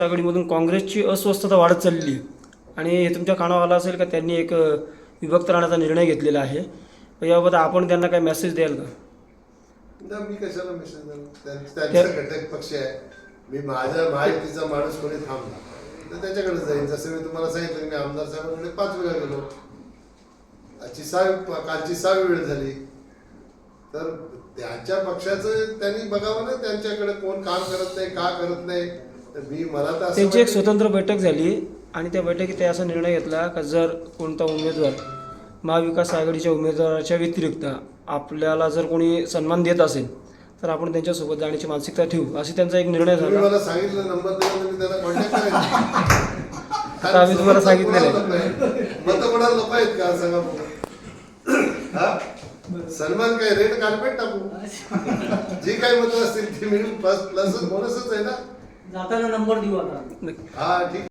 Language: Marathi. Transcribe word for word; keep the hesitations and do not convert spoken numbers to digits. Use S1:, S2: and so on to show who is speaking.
S1: आघाडीमधून काँग्रेसची अस्वस्थता वाढत चालली आहे आणि हे तुमच्या कानावर आलं असेल का त्यांनी एक विभक्त राहण्याचा निर्णय घेतलेला आहे. याबाबत आपण त्यांना काय मेसेज द्याल का?
S2: मी कशाला मेसेज देणार? त्यांचा घटक पक्ष आहे. मी माझ्या माहितीचा माणूस कोणी थांबला तर त्याच्याकडे जाईल. जसं मी तुम्हाला सांगितलं मी आमदार साहेबांकडे पाच वेळा गेलो. आजची सहा कालची सहावी वेळ झाली. तर त्यांच्या पक्षाचं त्यांनी बघावं ना, त्यांच्याकडे कोण काम करत नाही का करत नाही. तर मी मला तर
S1: त्यांची एक स्वतंत्र बैठक झाली आणि त्या बैठकीत ते असा निर्णय घेतला का जर कोणता उमेदवार महाविकास आघाडीच्या उमेदवाराच्या व्यतिरिक्त आपल्याला जर कोणी सन्मान देत असेल तर आपण त्यांच्यासोबत जाण्याची मानसिकता ठेवू, अशी त्यांचा एक निर्णय झाला.
S2: मला सांगितलं नंबर दिला मी त्याला कॉन्टॅक्ट करायचं.
S1: आता आम्ही तुम्हाला सांगितलेलं आहे.
S2: मत कोणाला लोक आहेत का सांगा बघू. सन्मान काय रेड कार्पेट टाकू. जी काही मतं असतील ती मिळून प्लस प्लस बोनसच आहे ना.
S3: जाताना नंबर देऊ आता.
S2: हा ठीक.